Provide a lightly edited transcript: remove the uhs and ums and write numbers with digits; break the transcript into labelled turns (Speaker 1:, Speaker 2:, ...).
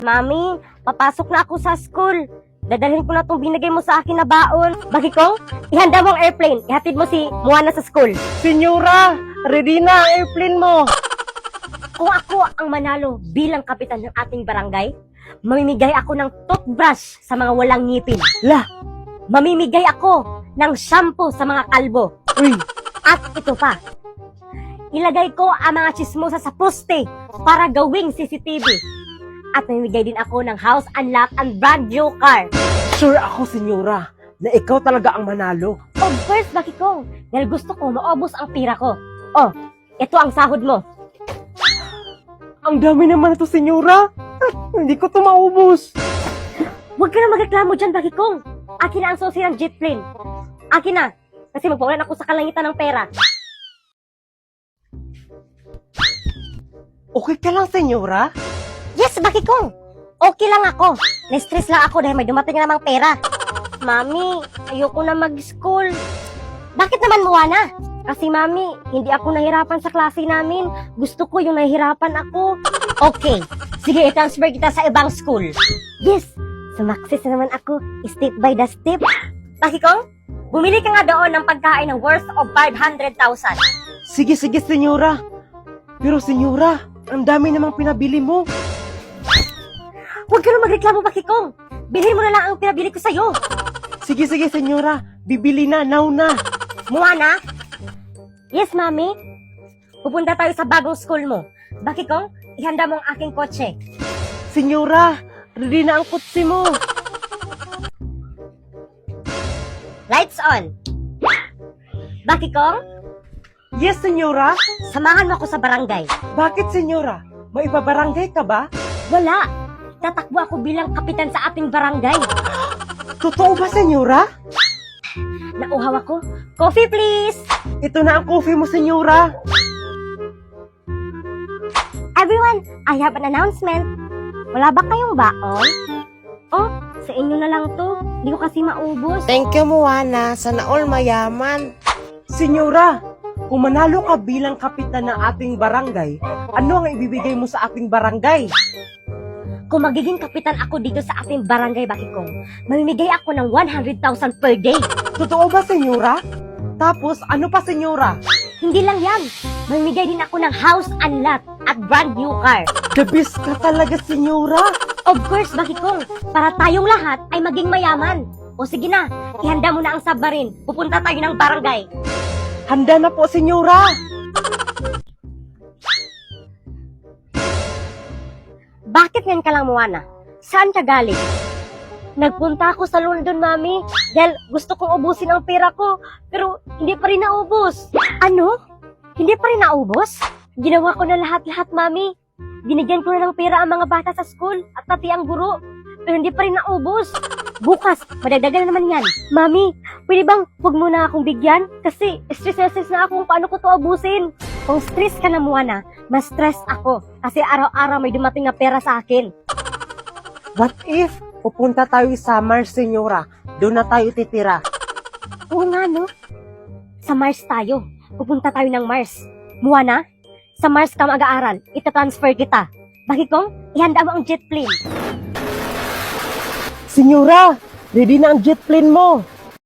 Speaker 1: Mami, papasok na ako sa school. Dadalhin ko na itong binigay mo sa akin na baon. Bakit kong? Ihanda mo ang airplane. Ihatid mo si Moana sa school.
Speaker 2: Senyora, ready na ang airplane mo.
Speaker 1: Kung ako ang manalo bilang kapitan ng ating barangay, mamimigay ako ng toothbrush sa mga walang ngipin.
Speaker 2: La,
Speaker 1: Mamimigay ako ng shampoo sa mga kalbo.
Speaker 2: uy,
Speaker 1: At ito pa, ilagay ko ang mga chismosa sa poste para gawing CCTV. At mamimigay din ako ng house and lot and brand new car.
Speaker 2: sure ako, senyora, na ikaw talaga ang manalo.
Speaker 1: Of course, bakit ko? Dahil gusto ko maubos ang pira ko. Oh, ito ang sahod mo.
Speaker 2: Ang dami naman ito, senyora. Hindi ko ito maubos.
Speaker 1: Huwag ka na magreklamo dyan, bakit kong? Akin na ang susi ng jet plane. Akin na, kasi magpawalan ako sa kalangitan ng pera.
Speaker 2: Okay ka lang, senyora?
Speaker 1: Yes, bakit kong? Okay lang ako. Na-stress lang ako dahil may dumating na namang pera. Mami, ayoko na mag-school. Bakit naman, Moana? Kasi mami, hindi ako nahirapan sa klase namin. Gusto ko yung nahihirapan ako. Okay, sige, i-transfer kita sa ibang school. Yes, sumakses na naman ako, step by the step. Bakit kong? Bumili ka nga doon ng pagkain ng worth of 500,000.
Speaker 2: Sige, senyora. Pero senyora, ang dami namang pinabili mo.
Speaker 1: Huwag ka na magreklamo, bakit kong? Bilhin mo na lang ang pinabili ko sa'yo.
Speaker 2: Sige, senyora. Bibili na, now na.
Speaker 1: Moana? Yes, mami? Pupunta tayo sa bagong school mo. Bakit kong? Ihanda mo ang aking kotse.
Speaker 2: Senyora, ready na ang kutsi mo.
Speaker 1: Lights on. Bakit kong?
Speaker 2: Yes, senyora.
Speaker 1: Samahan mo ako sa barangay.
Speaker 2: Bakit, senyora? May ibabarangay ka ba?
Speaker 1: Wala. Tatakbo ako bilang kapitan sa ating barangay.
Speaker 2: Totoo ba, senyora?
Speaker 1: Nauhaw ako. Coffee, please.
Speaker 2: Ito na ang coffee mo, senyora.
Speaker 1: Everyone, I have an announcement. Wala ba kayong baon? Oh, sa inyo na lang to. Hindi ko kasi maubos.
Speaker 3: Thank you, Moana. Sana all mayaman.
Speaker 2: Senyora, kung manalo ka bilang kapitan ng ating barangay, ano ang ibibigay mo sa ating barangay?
Speaker 1: Kung magiging kapitan ako dito sa ating barangay, bakit kong? Mamimigay ako ng 100,000 per day.
Speaker 2: Totoo ba, senyora? Tapos, ano pa, senyora?
Speaker 1: Hindi lang yan. Mamimigay din ako ng house and lot at brand new car.
Speaker 2: The best ka talaga, senyora.
Speaker 1: Of course, bakit kong? Para tayong lahat ay maging mayaman. O sige na, ihanda mo na ang submarine. Pupunta tayo ng barangay.
Speaker 2: Handa na po, senyora.
Speaker 1: Bakit ngayon ka lang, Moana? Saan ka galing? Nagpunta ako sa London, Mami, dahil gusto kong ubusin ang pera ko, pero hindi pa rin naubos. Ano? Hindi pa rin naubos? Ginawa ko na lahat-lahat, Mami. Binigyan ko na ng pera ang mga bata sa school at pati ang guro, pero hindi pa rin naubos. Bukas, madagdagan na naman yan. Mami, pwede bang huwag mo na akong bigyan? Kasi stress na ako kung paano ko to ubusin. Kung stress ka na, Moana, mas stress ako kasi araw-araw may dumating na pera sa akin.
Speaker 2: What if pupunta tayo sa Mars, senyora? Doon na tayo titira.
Speaker 1: Oo nga, no? Sa Mars tayo. Pupunta tayo ng Mars. Moana, sa Mars ka mag-aaral. Ita-transfer kita. Bakit kong? Ihanda mo ang jet plane.
Speaker 2: Senyora, ready na ang jet plane mo.